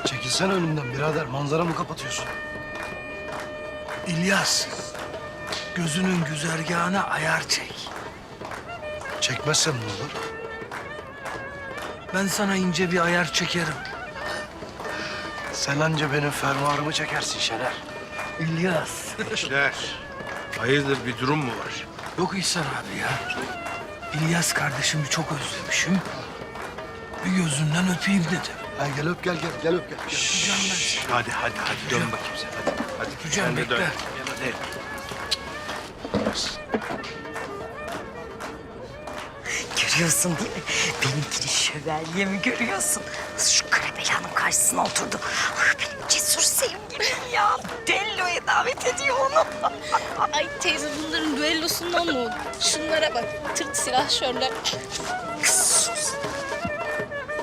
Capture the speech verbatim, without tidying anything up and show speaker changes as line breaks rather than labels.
Çekilsene önümden birader. Manzaramı kapatıyorsun.
İlyas, gözünün güzergahına ayar çek.
Çekmezsem ne olur?
Ben sana ince bir ayar çekerim.
Sen anca benim fermuarımı çekersin Şener.
İlyas.
Gençler, hayırdır bir durum mu var?
Yok İhsan abi ya. İlyas kardeşimi çok özlemişim. Bir gözünden öpeyim dedim.
Ha, gel öp gel gel. Gel öp gel. gel.
Öpeceğim ben seni.
Hadi hadi hadi dön bakayım sen hadi. Hadi
Öpeceğim,
sen de dön.
bekle.
Gel hadi.
Görüyorsun değil mi? Benimkini şövalyemi görüyorsun. Nasıl şu Karabela'nın karşısına oturdu. Ah benim cesur sevgilim ya. Dello'ya davet ediyor onu.
Ay teyze bunların düellosundan mı oldu? Şunlara bak. Tırt silahşörler.
Kız